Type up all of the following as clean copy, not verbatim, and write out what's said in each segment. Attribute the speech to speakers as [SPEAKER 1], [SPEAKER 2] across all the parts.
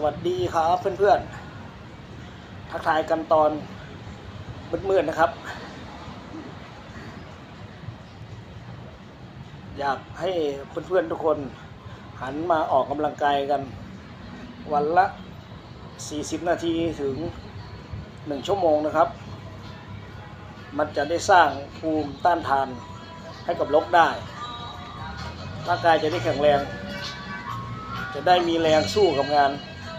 [SPEAKER 1] วัสดีครับเพื่อนๆทักทายกันตอนมืดๆนะครับอยากให้เพื่อนๆทุกคนหันมาออกกำลังกายกันวันละ40นาทีถึง1ชั่วโมงนะครับมันจะได้สร้างภูมิต้านทานให้กับโรคได้ร่างกายจะได้แข็งแรงจะได้มีแรงสู้กับงาน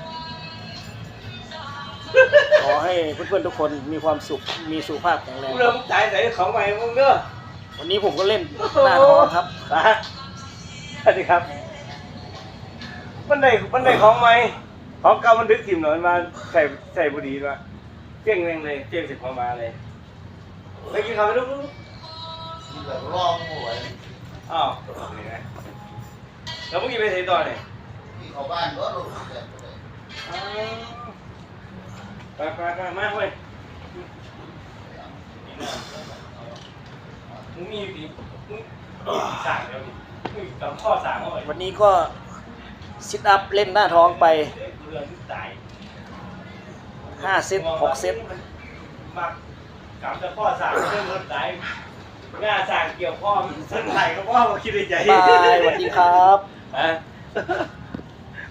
[SPEAKER 1] ขอให้เพื่อนๆทุกคนมีความสุขมีสุขภาพแข็งแรง
[SPEAKER 2] เริ่มจ่ายใส่ของใหม่มึงเด้อ
[SPEAKER 1] วันนี้ผมก็เล่นหน้าท้องครับ
[SPEAKER 2] สวัสดีครับมันได้ของใหม่ของเก่ามันดึกถิ่มหน่อยมาใส่บุหรี่มาเปี้ยงแรงเลยเปี้ยงเสร็จมาเลยไปกินข้าวไปลูก
[SPEAKER 3] กินแบบร่องหัว
[SPEAKER 2] อ้าวนี่ไงแล้วมึงกินไปไหนต่อเนี่ย
[SPEAKER 3] ที่เขาบ้านก็ลงแบบ
[SPEAKER 2] ไปมาเว้ยมึงมีดีมึงสั่งเดี๋ยวดิมึงกับข้อสั่งเอาไว้
[SPEAKER 1] วันนี้ก็ซิทอัพเล่นหน้าท้องไป
[SPEAKER 2] เรือที่ตาย
[SPEAKER 1] 5 เซต 6 เซต
[SPEAKER 2] มักกลับจะพ่อสั่งเรื่องรถไหนหน้าสั่งเกี่ยวพ่อมันเส้นไหลก็พ่อมาคิดในใจ
[SPEAKER 1] บายสวัสดีครับ
[SPEAKER 2] ฮะ